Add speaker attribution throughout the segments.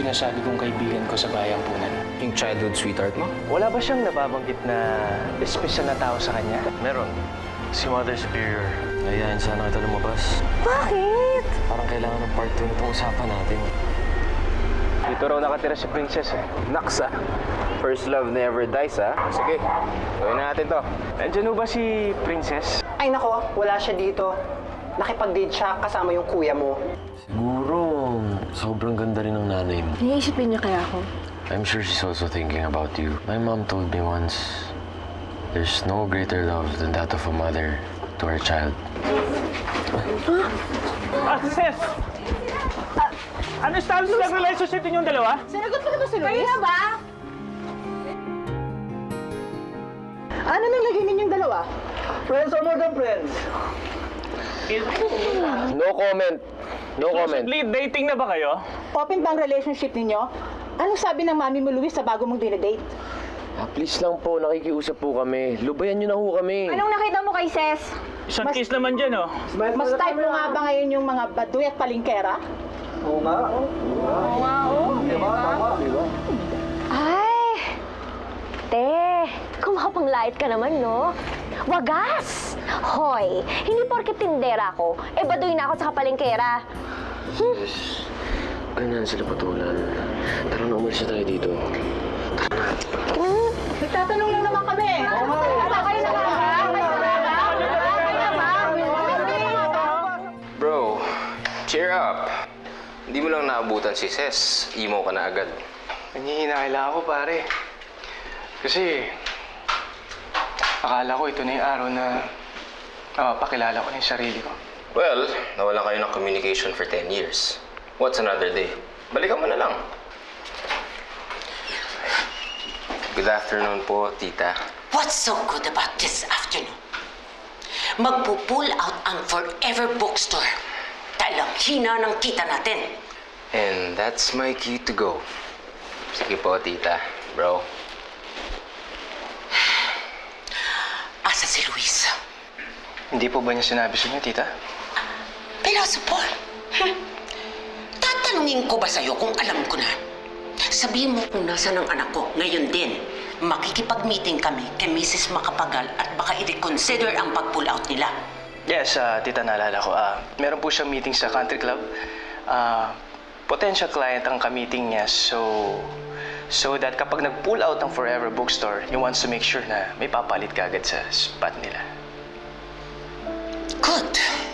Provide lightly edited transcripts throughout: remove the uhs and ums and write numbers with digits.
Speaker 1: sinasabi kong kaibigan ko sa bayang punan.
Speaker 2: Yung childhood sweetheart mo?
Speaker 1: Wala ba siyang nababanggit na espesyal na tao sa kanya?
Speaker 2: Meron.
Speaker 1: Si Mother Superior.
Speaker 2: Ayayin sana kita lumabas.
Speaker 3: Bakit?
Speaker 2: Parang kailangan ng part 2 nitong usapan natin.
Speaker 1: Dito raw nakatira si Princess eh.
Speaker 2: Naksa. First love never dies, ha? Sige, gawin na natin to.
Speaker 1: Nandiyan ba si Princess?
Speaker 4: Ay nako, wala siya dito. Nakipag-date siya kasama yung kuya mo.
Speaker 2: Siguro, sobrang ganda rin ng nanay mo.
Speaker 3: Naiisipin niya kaya ako?
Speaker 2: I'm sure she's also thinking about you. My mom told me once, there's no greater love than that of a mother to her child.
Speaker 1: Sis! Ano status ng relationship ninyong dalawa?
Speaker 3: Sinagot mo na ba si Luis? Kaya ba? Ano nang naging ninyong dalawa?
Speaker 1: Friends or more than friends?
Speaker 2: No comment. No comment.
Speaker 1: Dating na ba kayo?
Speaker 3: Open ba ang relationship ninyo? Anong sabi ng mami mo, Luis, sa bago mong dinedate?
Speaker 2: Please lang po, nakikiusap po kami. Lubayan niyo na ho kami.
Speaker 3: Anong nakita mo kay Ses?
Speaker 1: Isang kiss naman dyan, oh.
Speaker 3: Mas type mo nga ba ngayon yung mga baduy at palingkera?
Speaker 1: Oo nga.
Speaker 3: Oo nga, oo.
Speaker 1: Diba? Tama, diba?
Speaker 5: Ay! Te, kumapang-light ka naman, no? Wagas! Hoy, hindi porket tindera ko, baduy na ako sa kapalengkera.
Speaker 2: Yes. Ganyan sila patulan. Tara na, umalis na tayo dito.
Speaker 3: Nagtatanong lang naman kami.
Speaker 5: Kayo na lang, ha?
Speaker 6: Bro, cheer up. Hindi mo lang naabutan si Ses. Emo ka na agad.
Speaker 1: Nanghihina ako, pare. Kasi, akala ko ito na yung araw na pakilala ko na yung sarili ko.
Speaker 6: Well, nawala kayo ng communication for 10 years. What's another day? Balikan mo na lang. Good afternoon po, tita.
Speaker 7: What's so good about this afternoon? Magpo-pull out ang Forever Bookstore. Talang hina ng kita natin.
Speaker 6: And that's my key to go. Sige po, tita. Bro.
Speaker 7: Asa si Luis?
Speaker 1: Hindi po ba niya sinabi sa inyo, tita?
Speaker 7: Piloso Paul. Tatanungin ko ba sa'yo kung alam ko na? Sabihin mo kung nasa ng anak ko. Ngayon din, makikipag-meeting kami kay Mrs. Macapagal at baka i-reconsider ang pag-pull out nila.
Speaker 1: Yes, tita, naalala ko. Meron po siyang meeting sa country club. Potential client ang ka-meeting niya. So that kapag nag-pull out ng Forever Bookstore, he wants to make sure na may papalit ka agad sa spot nila.
Speaker 7: Good.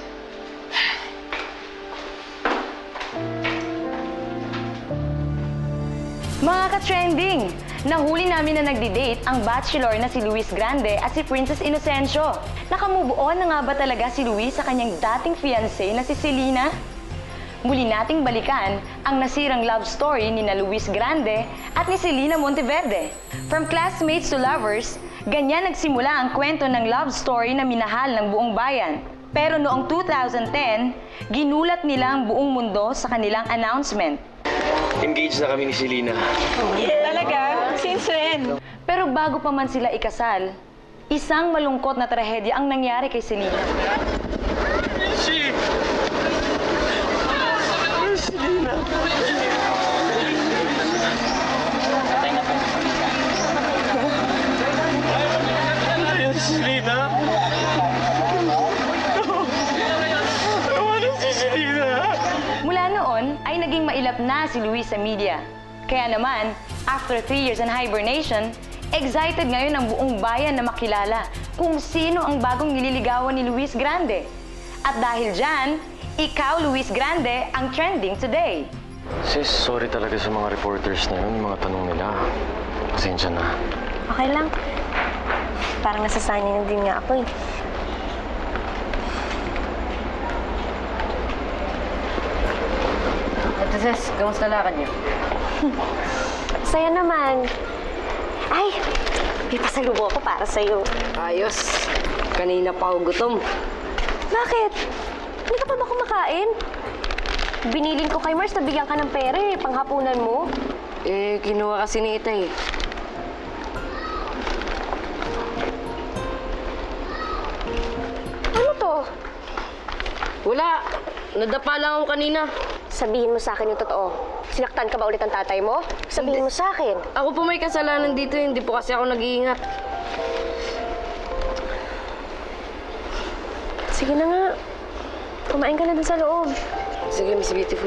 Speaker 5: Mga ka-trending, nahuli namin na nagdi-date ang bachelor na si Luis Grande at si Princess Inocencio. Nakamove on na nga ba talaga si Luis sa kanyang dating fiancé na si Selena? Muli nating balikan ang nasirang love story ni na Luis Grande at ni Selena Monteverde. From classmates to lovers, ganyan nagsimula ang kwento ng love story na minahal ng buong bayan. Pero noong 2010, ginulat nila ang buong mundo sa kanilang announcement.
Speaker 2: Engaged na kami ni Selena.
Speaker 3: Talaga? Since when?
Speaker 5: Pero bago pa man sila ikasal, isang malungkot na trahedya ang nangyari kay Selena. Mula noon ay naging mailap na si Luis sa media. Kaya naman, after 3 years in hibernation, excited ngayon ang buong bayan na makilala kung sino ang bagong nililigawan ni Luis Grande. At dahil dyan, ikaw, Luis Grande, ang trending today.
Speaker 2: Sis, sorry talaga sa mga reporters na yun, yung mga tanong nila. Pasensya na.
Speaker 5: Okay lang. Parang nasasanay na din nga ako eh.
Speaker 3: Ate Ses, kamusta lakad niyo?
Speaker 5: Saya naman. Ay, may pasalubong ako para sa'yo.
Speaker 3: Ayos. Kanina pa ako gutom.
Speaker 5: Bakit? Hindi ka pa ba kumakain? Biniling ko kay Mars na bigyan ka ng pera eh, panghapunan mo.
Speaker 3: Kinuha kasi ni Itay.
Speaker 5: Ano to?
Speaker 3: Wala. Nadapa lang ako kanina.
Speaker 8: Sabihin mo sa akin yung totoo. Sinaktan ka ba ulit ng tatay mo? Sabihin mo sa akin.
Speaker 9: Ako po may kasalanan dito, hindi po kasi ako nag-iingat.
Speaker 8: Sige na nga. Kumain ka na dun sa loob.
Speaker 9: Sige, Miss Beautiful.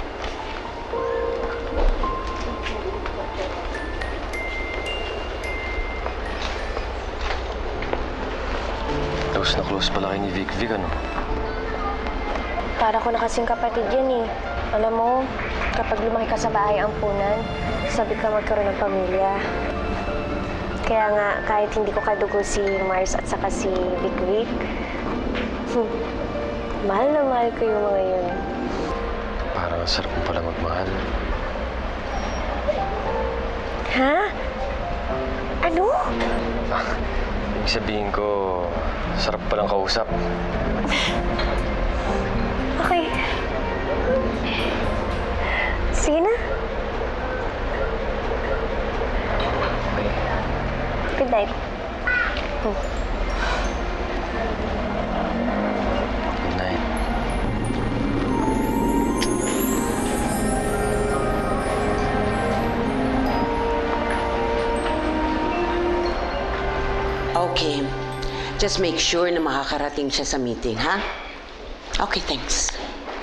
Speaker 2: Close pala kayo ni Vic Vic, ano?
Speaker 8: Para ko na kasing kapatid yan eh. Alam mo, kapag lumaki ka sa bahay ampunan, sabi ka magkaroon ng pamilya. Kaya nga, kahit hindi ko kadugo si Mars at saka si Vic Vic, mahal na mahal ko yung mga yun.
Speaker 2: Parang ang sarap mo pala magmahal.
Speaker 8: Ha? Ano?
Speaker 2: Ibig sabihin ko, sarap palang kausap.
Speaker 8: Okay. Sige na.
Speaker 2: Okay.
Speaker 8: Good night.
Speaker 2: Good night.
Speaker 7: Okay. Just make sure na makakarating siya sa meeting, ha? Okay, thanks.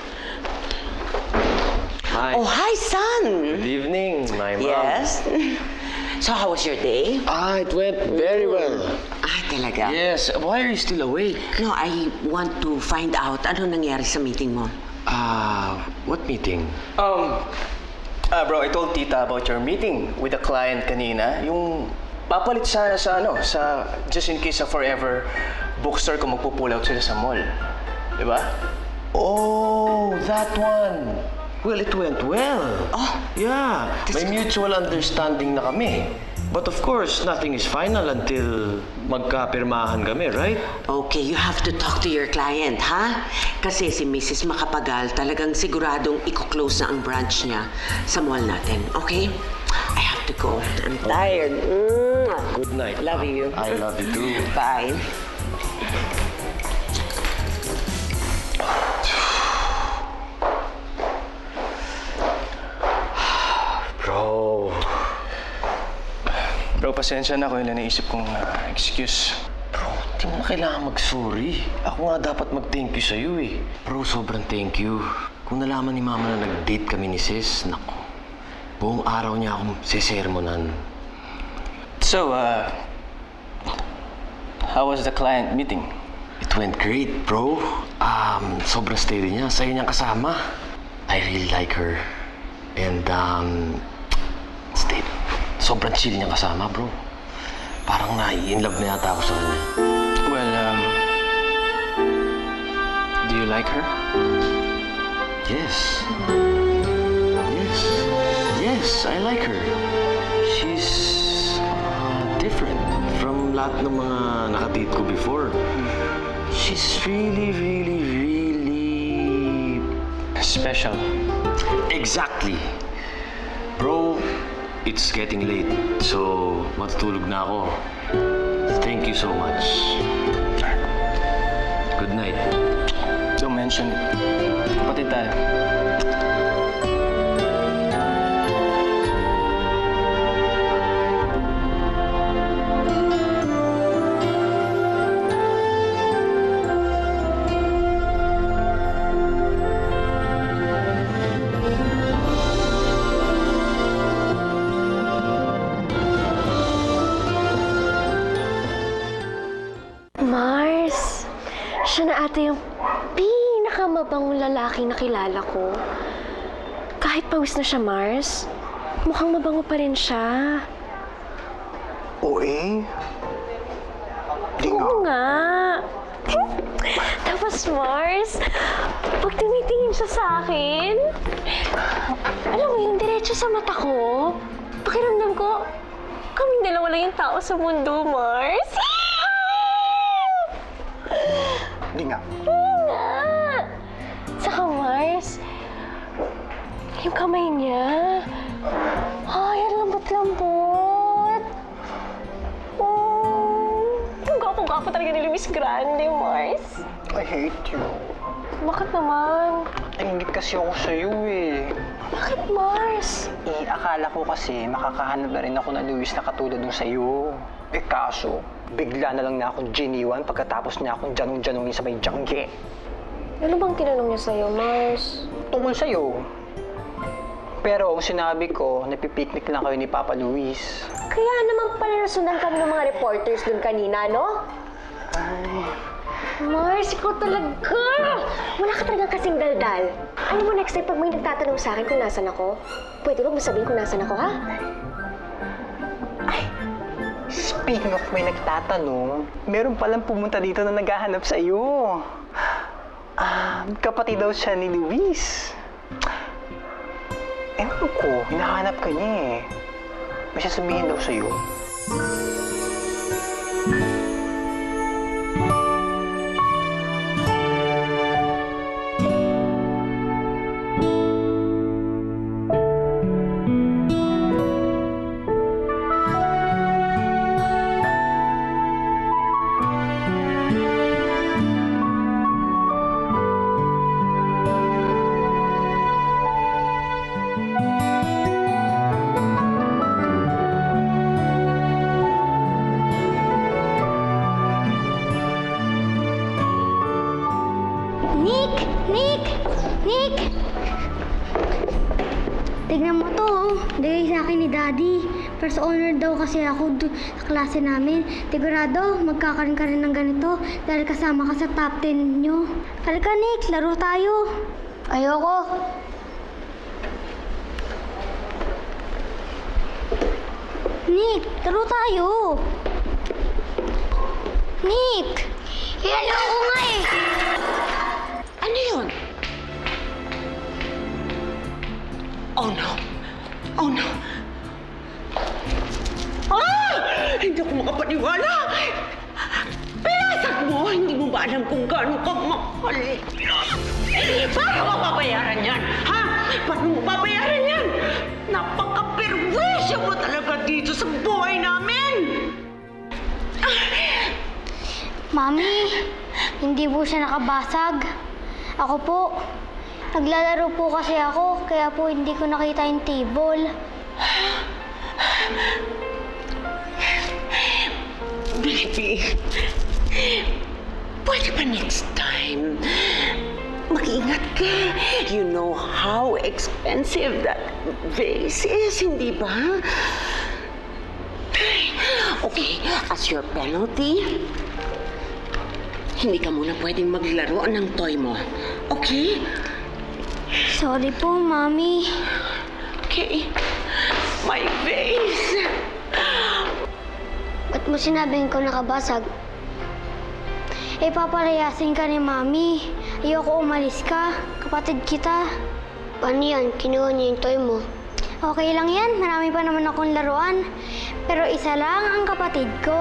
Speaker 2: Hi.
Speaker 7: Oh, hi, son!
Speaker 2: Good evening, my mom.
Speaker 7: Yes? So, how was your day?
Speaker 2: It went very well.
Speaker 7: Ah, talaga?
Speaker 2: Yes, why are you still awake?
Speaker 7: No, I want to find out ano nangyari sa meeting mo.
Speaker 2: What meeting?
Speaker 1: Bro, I told tita about your meeting with the client kanina. Yung papalit sana sa just in case sa Forever bookstore kung magpo-pull out sila sa mall. Diba?
Speaker 2: Oh, that one. Well, it went well.
Speaker 7: Oh,
Speaker 2: Yeah, may mutual understanding na kami. But of course, nothing is final until magkapirmahan kami, right?
Speaker 7: okay, you have to talk to your client, ha? Kasi si Mrs. Macapagal talagang siguradong i-close na ang branch niya sa mall natin, okay? I have to go. I'm tired.
Speaker 2: Good night.
Speaker 7: Love you.
Speaker 2: I love you too.
Speaker 7: Bye.
Speaker 1: Bro, pasensya na kung ilan naisip kong excuse.
Speaker 2: Bro, di mo na kailangan mag-sorry. Ako nga dapat mag-thank you sa'yo eh. Bro, sobrang thank you. Kung nalaman ni Mama na nag-date kami ni Sis, naku, buong araw niya akong sesermonan.
Speaker 1: So, how was the client meeting?
Speaker 2: It went great, bro. Sobrang steady niya. Sa'yo niyang kasama. I really like her. And, steady. Sobrang chill niyang kasama, bro. Parang nai-inlove na yata ako sa kanya.
Speaker 1: Well, do you like her?
Speaker 2: Yes. Yes. Yes, I like her. She's different from lahat ng mga nakadate ko before. She's really, really, really...
Speaker 1: Special.
Speaker 2: Exactly. Bro, it's getting late, so matutulog na ako. Thank you so much. Good night.
Speaker 1: Don't mention it. Kapatid tayo.
Speaker 8: Mars, siya na ata yung pinakamabangong lalaki na kilala ko. Kahit pawis na siya, Mars, mukhang mabango pa rin siya.
Speaker 4: Oo eh.
Speaker 8: Oo nga. Tapos, Mars, pag tumitingin siya sa akin, alam mo yung diretso sa mata ko, pakiramdam ko, kaming dalawa lang yung tao sa mundo, Mars.
Speaker 4: Hindi nga.
Speaker 8: nga. Saka Mars, yung kamay niya, ay, ang lambot-lambot. Ang gwapo-gwapo talaga ni Luis Grande, Mars.
Speaker 4: I hate you.
Speaker 8: Bakit naman?
Speaker 4: Nainggit kasi ako sa'yo eh.
Speaker 8: Bakit, Mars?
Speaker 4: Akala ko kasi makakahanap na rin ako ng Luis na katulad nung sa'yo. Kaso, bigla na lang na akong giniwan pagkatapos niya akong janong-janongin sa may jangge.
Speaker 8: Ano bang tinanong niya sa'yo, Mars?
Speaker 4: Tungkol sa'yo. Pero ang sinabi ko, napipiknik lang kayo ni Papa Luis.
Speaker 8: Kaya naman pala nasundan kami ng mga reporters dun kanina, no?
Speaker 4: Ay,
Speaker 8: Mars, ikaw talaga! Wala ka talagang kasing daldal. Alam mo, next time pag may nagtatanong sa akin kung nasan ako, pwede mo sabihin kung nasan ako, ha?
Speaker 4: speaking of may nagtatanong, meron palang pumunta dito na naghahanap sa iyo. Kapatid daw siya ni Luis. Ewan ko, hinahanap ka niya eh. May sasabihin daw sa iyo.
Speaker 10: Nick! Tignan mo to, oh. Bigay sa akin ni Daddy. First honor daw kasi ako sa klase namin. Sigurado, magkakaroon ka rin ng ganito dahil kasama ka sa top 10 nyo. Halika, Nick. Laro tayo. Ayoko. Nick, laro tayo. Nick! Ayoko nga eh.
Speaker 7: Ano yun? Oh no! Oh no! Ah! Hindi ako makapaniwala! Pinasag mo! Hindi mo ba alam kung gaano ka mahal? Paano mo babayaran yan? Ha? Paano mo babayaran yan? Napaka-perwisyo mo talaga dito sa buhay namin!
Speaker 10: Mami, hindi po siya nakabasag. Ako po, naglalaro po kasi ako, kaya po hindi ko nakita yung table.
Speaker 7: Baby, pwede ba next time? Mag-ingat ka. You know how expensive that vase is, hindi ba? Okay, as your penalty, hindi ka muna pwedeng maglaro ng toy mo. Okay?
Speaker 10: Sorry po, Mami.
Speaker 7: Okay. My vase.
Speaker 10: Ba't mo sinabing ko nakabasag? Eh, papalayasin ka ni Mami. Ayoko umalis ka. Kapatid kita. Paano yan? Kinuha niya yung toy mo. Okay lang yan. Marami pa naman akong laruan. Pero isa lang ang kapatid ko.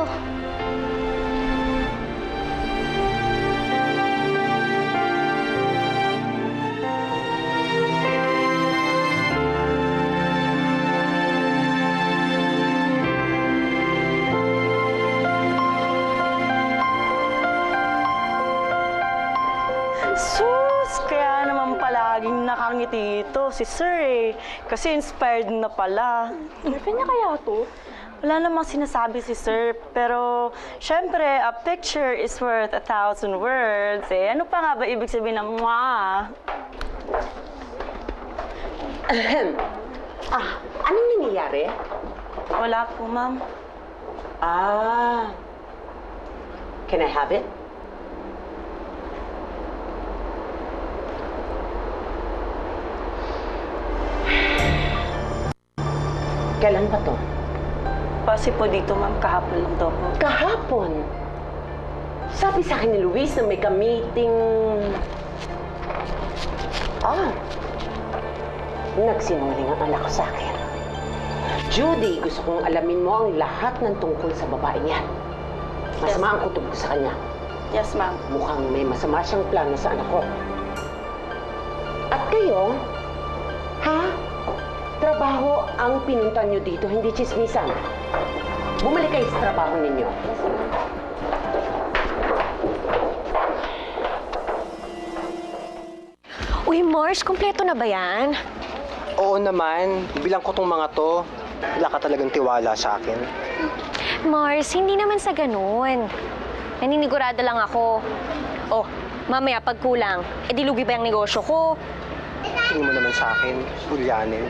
Speaker 11: Sus! Kaya naman palaging nakangiti ito si Sir eh. Kasi inspired na pala. Girlfriend niya kaya to? Wala namang sinasabi si Sir. Pero, syempre, a picture is worth 1,000 words eh. Ano pa nga ba ibig sabihin ng mwah?
Speaker 7: Anong nangyayari?
Speaker 11: Wala po, ma'am.
Speaker 7: Can I have it? Kailan pa to?
Speaker 11: Kasi po dito, ma'am, kahapon lang daw po.
Speaker 7: Kahapon? Sabi sa akin ni Luis na may ka-meeting... Nagsinungaling ang anak ko sa akin. Judy, gusto kong alamin mo ang lahat ng tungkol sa babaeng yan. Masama ang kutob ko sa kanya.
Speaker 11: Yes, ma'am.
Speaker 7: Mukhang may masama siyang plano sa anak ko. At kayo, trabaho ang pinuntan nyo dito, hindi chismisan. Bumalik kayo sa trabaho ninyo.
Speaker 8: Uy, Uy, Mars, kumpleto na ba yan?
Speaker 4: Oo naman, bilang ko tong mga to, wala ka talagang tiwala sa akin.
Speaker 8: Mars, hindi naman sa ganun. Naninigurado lang ako. Oh, mamaya pag kulang, edi lugi ba yung negosyo ko?
Speaker 4: Tingin mo naman sa akin, Julianin.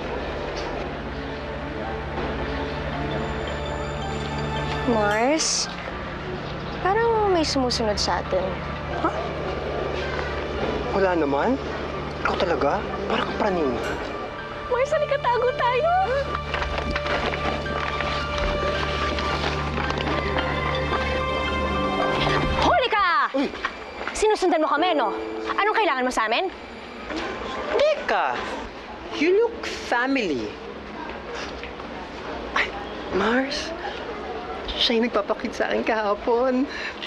Speaker 8: Mars, parang may sumusunod sa atin.
Speaker 4: Wala naman. Ikaw talaga? Parang praning.
Speaker 8: Mars, halika tago tayo! Huli ka! Sinusundan mo kami, no? Anong kailangan mo sa amin?
Speaker 4: Teka, you look family. Ay, Mars, siya yung nagpapakit sa akin kahapon.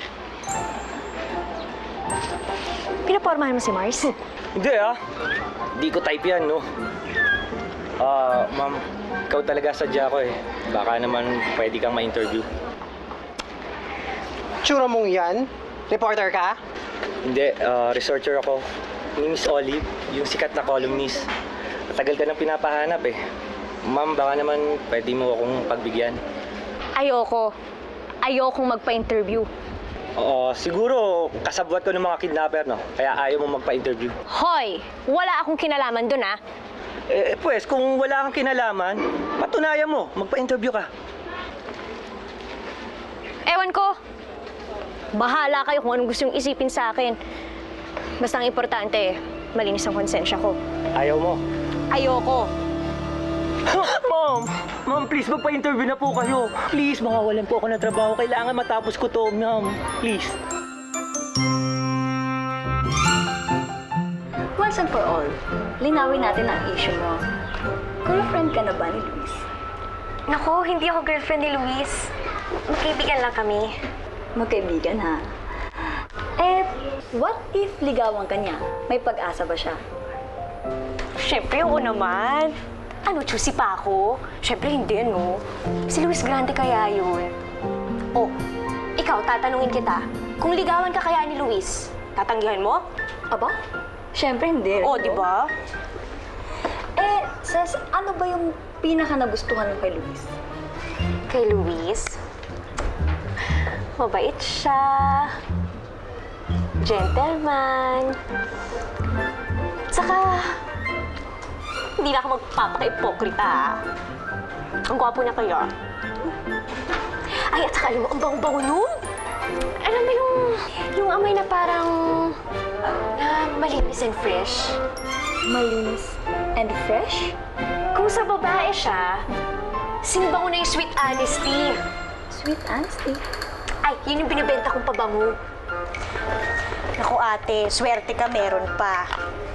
Speaker 8: Pinapormahan mo si Mars?
Speaker 12: Hindi Hindi ko type yan, no? Ma'am, ikaw talaga sadya ko eh. Baka naman pwede kang ma-interview.
Speaker 4: Tsura mong yan? Reporter ka?
Speaker 12: Hindi, researcher ako. Ni Miss Olive, yung sikat na columnist. Matagal ka nang pinapahanap eh. Ma'am, baka naman pwede mo akong pagbigyan.
Speaker 8: Ayoko. Ayokong magpa-interview.
Speaker 12: Oo, siguro kasabwat ko ng mga kidnapper, no? Kaya ayaw mo magpa-interview.
Speaker 8: Hoy! Wala akong kinalaman dun, ha?
Speaker 12: Pues, kung wala kang kinalaman, patunayan mo, magpa-interview ka.
Speaker 8: Ewan ko. Bahala kayo kung anong gusto yung isipin sa akin. Basta ang importante, malinis ang konsensya ko.
Speaker 12: Ayaw mo?
Speaker 8: Ayoko.
Speaker 12: Ma'am, please, magpa-interview na po kayo. Please, mawawalan po ako ng trabaho. Kailangan matapos ko to, ma'am. Please.
Speaker 5: Once and for all, linawin natin ang issue mo. Girlfriend ka na ba ni Luis?
Speaker 8: Naku, hindi ako girlfriend ni Luis. Magkaibigan lang kami.
Speaker 5: Magkaibigan, ha? What if ligawan ka niya? May pag-asa ba siya?
Speaker 8: Siyempre, oo naman. Ano, choosy pa ako? Siyempre, hindi, no? Si Luis Grande kaya yun. Oh, ikaw, tatanungin kita. Kung ligawan ka kaya ni Luis, tatanggihan mo?
Speaker 5: Aba? Siyempre, hindi.
Speaker 8: Oh, di ba?
Speaker 5: Ses, ano ba yung pinaka nagustuhan mo kay Luis?
Speaker 8: Kay Luis? Mabait siya. Gentleman. Saka, hindi na ako magpapaka-ipokrita. Ang gwapo niya kaya. Ay, at saka alam mo, ang bango-bango nun. Alam mo yung amoy na parang na malinis and fresh.
Speaker 5: Malinis and fresh?
Speaker 8: Kung sa babae siya, sinibango na yung sweet honesty.
Speaker 5: Sweet honesty?
Speaker 8: Ay, yun yung binibenta kong pabango. Naku ate, swerte ka meron pa.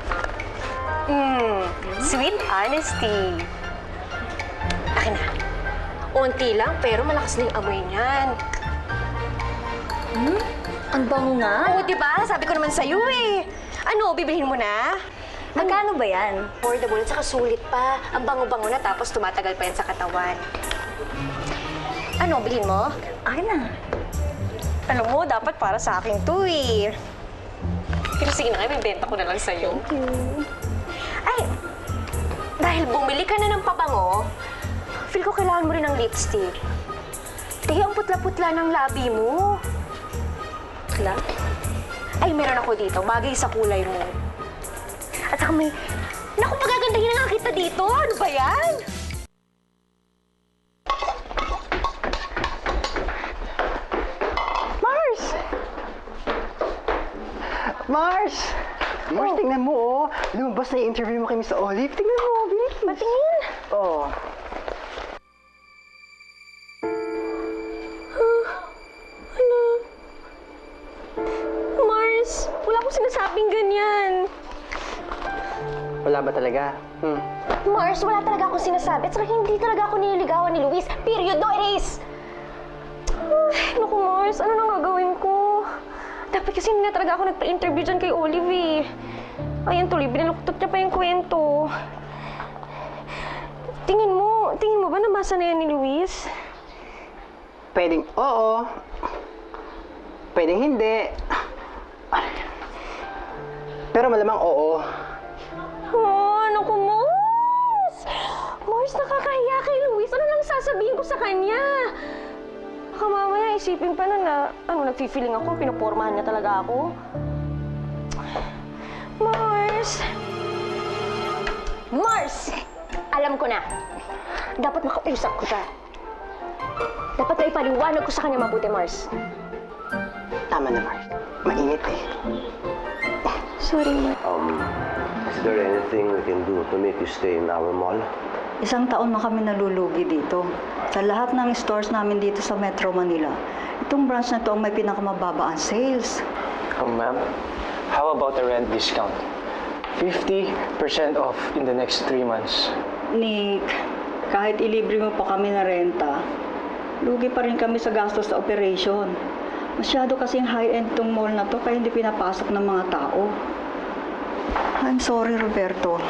Speaker 8: Sweet honesty. Akin na. Unti lang, pero malakas na yung amoy niyan.
Speaker 5: Ang bango nga.
Speaker 8: Oo, diba? Sabi ko naman sa'yo eh. Ano, bibilhin mo na?
Speaker 5: Magkano ba yan?
Speaker 8: Affordable, at saka sulit pa. Ang bango-bango na, tapos tumatagal pa yan sa katawan. Ano, bilhin mo?
Speaker 5: Akin na.
Speaker 8: Alam mo, dapat para sa akin to eh. Pero sige na nga, may benta ko na lang sa'yo.
Speaker 5: Thank you.
Speaker 8: Ay, dahil bumili ka na ng pabango, feel ko kailangan mo rin ng lipstick. Tingnan ang putla-putla ng labi mo.
Speaker 5: Putla?
Speaker 8: Ay, meron ako dito. Bagay sa kulay mo. At saka may... Naku, magagandahin na nga kita dito. Ano ba yan?
Speaker 4: Mars! Mars! Mars, tingnan mo, oh. Lumabas na yung interview mo kay Miss Olive. Tingnan mo, bilis.
Speaker 8: Patingin.
Speaker 4: Oo.
Speaker 8: Mars, wala akong sinasabing ganyan.
Speaker 4: Wala ba talaga?
Speaker 8: Mars, wala talaga akong sinasabi. At saka hindi talaga ako nililigawan ni Luis. Period, no erase! Ay, naku Mars, ano nang gagawin ko? Dapat kasi hindi na talaga ako nagpa-interview dyan kay Olive eh. Ayan tuloy, binaluktot niya pa yung kwento. Tingin mo ba nabasa na yan ni Luis?
Speaker 4: Pwedeng oo. Pwedeng hindi. Pero malamang oo.
Speaker 8: Oh, ano ko, Mars? Mars, nakakahiya kay Luis. Ano lang sasabihin ko sa kanya? Baka mamaya isipin pa nun na, nagfi-feeling ako, pinupormahan niya talaga ako. Mars! Mars! Alam ko na. Dapat makausap ko siya. Dapat na ipaliwanag ko sa kanya mabuti, Mars.
Speaker 4: Tama na, Mars. Mainit eh.
Speaker 8: Sorry, Mars.
Speaker 2: Is there anything we can do to make you stay in our mall?
Speaker 13: Isang taon na kami nalulugi dito. Sa lahat ng stores namin dito sa Metro Manila, itong branch na to ang may pinakamababa ang sales.
Speaker 1: Ma'am, how about a rent discount? 50% off in the next 3 months.
Speaker 13: Nick, kahit ilibre mo pa kami na renta, lugi pa rin kami sa gastos sa operation. Masyado kasing high-end tong mall na to kaya hindi pinapasok ng mga tao. I'm sorry, Roberto.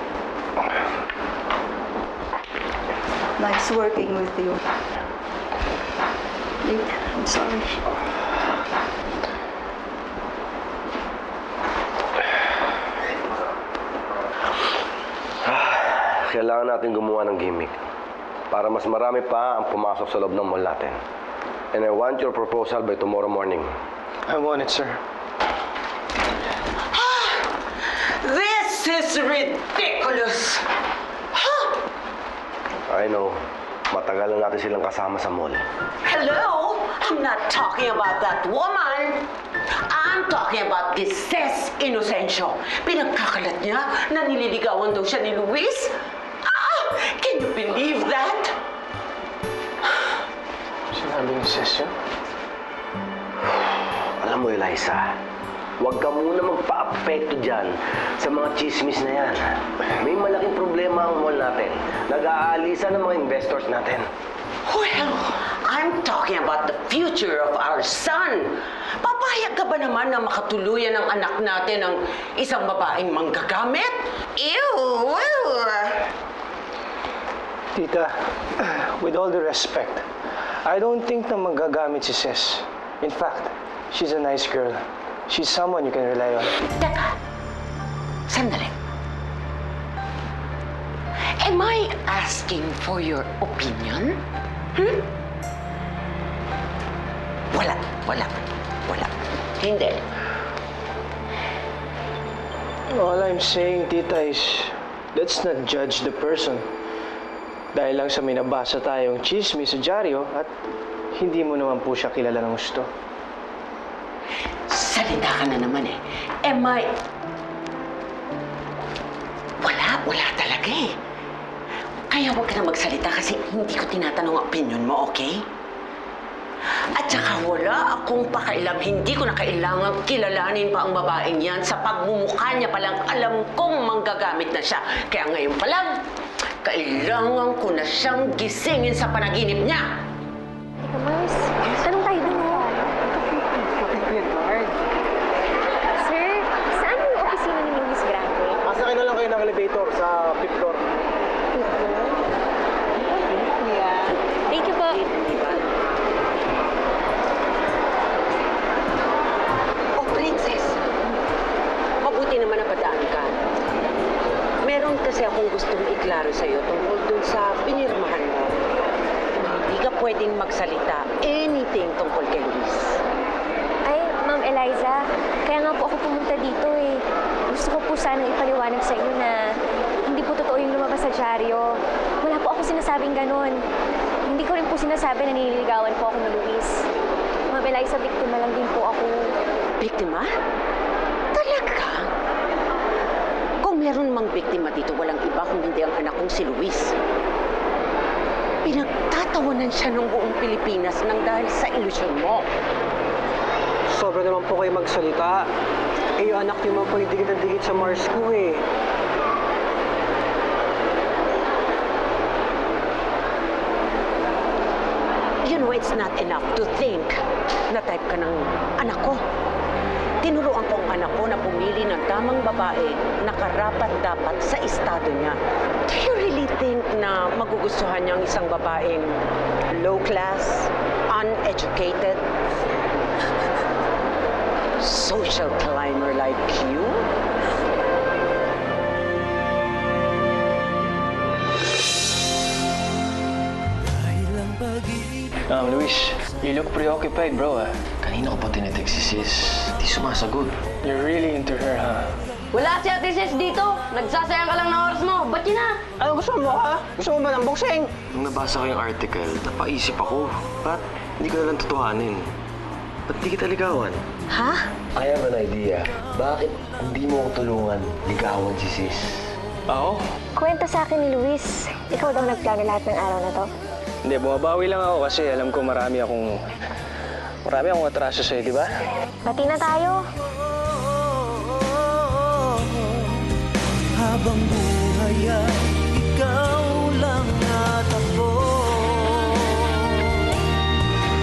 Speaker 13: Nice working with you. Nick, I'm sorry.
Speaker 2: Kailangan natin gumawa ng gimmick para mas marami pa ang pumasok sa loob ng mall natin. And I want your proposal by tomorrow morning.
Speaker 1: I want it, sir.
Speaker 7: This is ridiculous!
Speaker 2: I know. Matagal na natin silang kasama sa mall.
Speaker 7: Hello? I'm not talking about that woman. I'm talking about this Ces Inocencio. Pinagkakalat niya na nililigawan daw siya ni Luis. Can you believe that?
Speaker 1: Sinabi ni Ces yun?
Speaker 2: Alam mo, Eliza, huwag ka muna magpa-apekto dyan sa mga chismis na yan. May malaking problema ang mall natin. Nag-aalisa ng mga investors natin.
Speaker 7: Well, I'm talking about the future of our son. Papayag ka ba naman na makatuluyan ang anak natin ng isang babaeng manggagamit? Ew!
Speaker 1: Tita, with all the respect, I don't think na magagamit si Ces. In fact, she's a nice girl. She's someone you can rely on.
Speaker 7: Teka, sandali. Am I asking for your opinion? Wala. Hindi.
Speaker 1: All I'm saying, Tita, is let's not judge the person. Dahil lang sa may nabasa tayong chismis sa dyaryo at hindi mo naman po siya kilala ng gusto.
Speaker 7: Salita ka na naman eh. Am I... Wala talaga eh. Kaya huwag ka na magsalita kasi hindi ko tinatanong ang opinion mo, okay? At saka wala akong pakailam, hindi ko na kailangan kilalanin pa ang babaeng yan. Sa pagmumukha niya palang alam kong manggagamit na siya. Kaya ngayon pa lang, kailangan ko na siyang gisingin sa panaginip niya.
Speaker 8: Teka, Mars. Tanong tayo dun, oh. Sir, saan yung opisina ni Luis Grande?
Speaker 1: Masakay na lang kayo ng elevator sa 5th floor.
Speaker 8: Thank you po.
Speaker 7: Oh, Princess. Mabuti naman napadaan ka. Meron kasi akong gustong iklaro sa'yo tungkol dun sa pinirmahan mo. Hindi ka pwedeng magsalita anything tungkol kay Luis.
Speaker 8: Ay, Ma'am Eliza, kaya nga po ako pumunta dito eh. Gusto ko po sana ipaliwanag sa inyo na hindi po totoo yung lumabas sa dyaryo. Wala po ako sinasabing ganon. Hindi ko rin po sinasabi na nililigawan po ako ng Luis. Ma'am Eliza, biktima lang din po ako.
Speaker 7: Biktima? Talaga? Kung meron mang biktima dito, walang iba kung hindi ang anak kong si Luis. Pinagtatawanan siya ng buong Pilipinas nang dahil sa ilusyon mo.
Speaker 4: Sobra naman po kayo magsalita. Eh, yung anak niyo man po yung digit na digit sa Mars ko eh.
Speaker 7: You know, it's not enough to think na type ka ng anak ko. Tinuruan ko ang anak ko na pumili ng tamang babae na karapat-dapat sa estado niya. Do you really think na magugustuhan niya ang isang babaeng low class, uneducated, social climber like you?
Speaker 1: Luis, you look preoccupied, bro, ah.
Speaker 2: Kanina ko pa tinetext si sis. Di sumasagot.
Speaker 1: You're really into her, ha?
Speaker 9: Wala si Ate Sis dito. Nagsasayang ka lang ng oras mo. Ba't yun na?
Speaker 4: Ano gusto mo, ha? Gusto mo ba ng boxing?
Speaker 2: Nung nabasa ko yung article, napaisip ako. Ba't hindi ko nalang tutuhanin? Ba't di kita ligawan?
Speaker 8: Ha?
Speaker 2: I have an idea. Bakit hindi mo ako tulungan ligawan si sis?
Speaker 1: Ako?
Speaker 8: Kwento sa akin ni Luis. Ikaw daw nagplano lahat ng araw na to.
Speaker 1: Hindi, bumabawi lang ako kasi alam ko marami akong atraso sa'yo, di ba?
Speaker 8: Bati na tayo.
Speaker 14: Habang buhay ay ikaw